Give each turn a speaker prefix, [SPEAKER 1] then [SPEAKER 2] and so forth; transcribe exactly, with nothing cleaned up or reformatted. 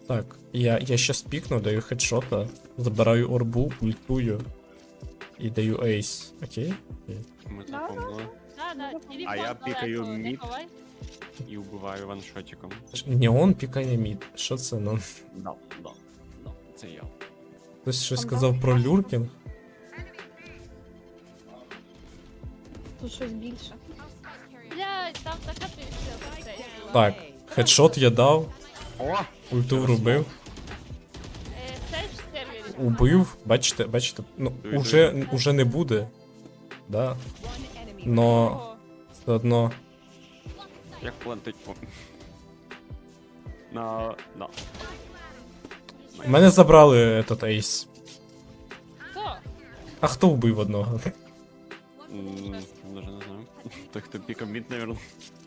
[SPEAKER 1] Так, я, я щас пікну, даю хедшота, забираю орбу, ультую і даю ейс. Окей? Окей.
[SPEAKER 2] Ми
[SPEAKER 3] Да,
[SPEAKER 2] запомнили.
[SPEAKER 4] Да, да, телефон
[SPEAKER 2] А я
[SPEAKER 4] далеко,
[SPEAKER 2] пікаю
[SPEAKER 4] не
[SPEAKER 2] мід.
[SPEAKER 4] ховай.
[SPEAKER 2] І вбиваю ваншотиком.
[SPEAKER 1] Ш- Неон пікає мід. Що це? Ну,
[SPEAKER 2] Да, да, да, це я.
[SPEAKER 1] хтось щось
[SPEAKER 3] Там
[SPEAKER 1] сказав
[SPEAKER 3] да.
[SPEAKER 1] про люркінг.
[SPEAKER 3] Тут щось більше.
[SPEAKER 4] Блядь, там така пішка.
[SPEAKER 1] Так, хедшот я дав,
[SPEAKER 2] О!
[SPEAKER 1] ульту врубив,
[SPEAKER 4] Сейдж в сервері.
[SPEAKER 1] убив. Бачите, бачите, ну,
[SPEAKER 2] Диви,
[SPEAKER 1] уже, уже не буде. Да. Но
[SPEAKER 4] О,
[SPEAKER 1] все одно.
[SPEAKER 2] Як плантить по. На. Да.
[SPEAKER 1] Мене забрали этот ейс.
[SPEAKER 4] Хто?
[SPEAKER 1] А хто вбив одного?
[SPEAKER 2] М, Даже не знаю. Той, хто пікав мід, наверное.